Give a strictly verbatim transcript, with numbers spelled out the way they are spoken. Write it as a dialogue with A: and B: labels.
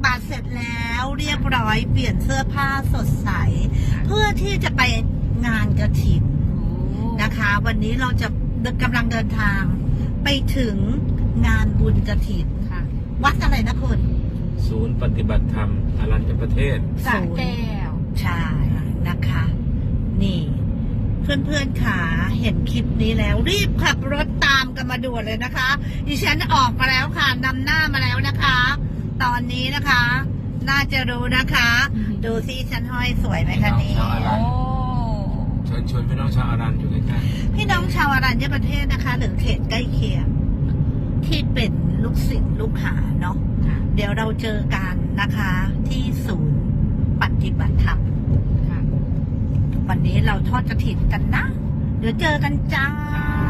A: บาตรเสร็จแล้วเรียบร้อยเปลี่ยนเสื้อผ้าสดใส เพื่อที่จะไปงานกฐินนะคะ วันนี้เราจะกำลังเดินทางไปถึงงานบุญกฐินวัดอะไรนะคุณ
B: ศูนย์ปฏิบัติธรรมอรัญญประเทศ
C: สระแก้ว
A: ใช่นะคะ นี่ เพื่อนๆขาเห็นคลิปนี้แล้วรีบขับรถตามกันมาด่วนเลยนะคะดิฉันออกมาแล้วค่ะนำหน้ามาแล้วนะคะ ตอนนี้นะคะ น่าจะรู้นะคะ ดูซิฉันห้อยสวยไหมคะนี่
B: โอ้ เชิญชวนพี่น้องชาวอรัญอยู่ใกล้
A: พี่น้องชาวอรัญญประเทศนะคะ หรือเขตใกล้เคียงที่เป็นลูกศิษย์ลูกหาเนาะเดี๋ยวเราเจอกันนะคะ ที่ศูนย์ปฏิบัติธรรมวันนี้เราทอดกฐินกันนะเดี๋ยวเจอกันจ้า
B: ๆ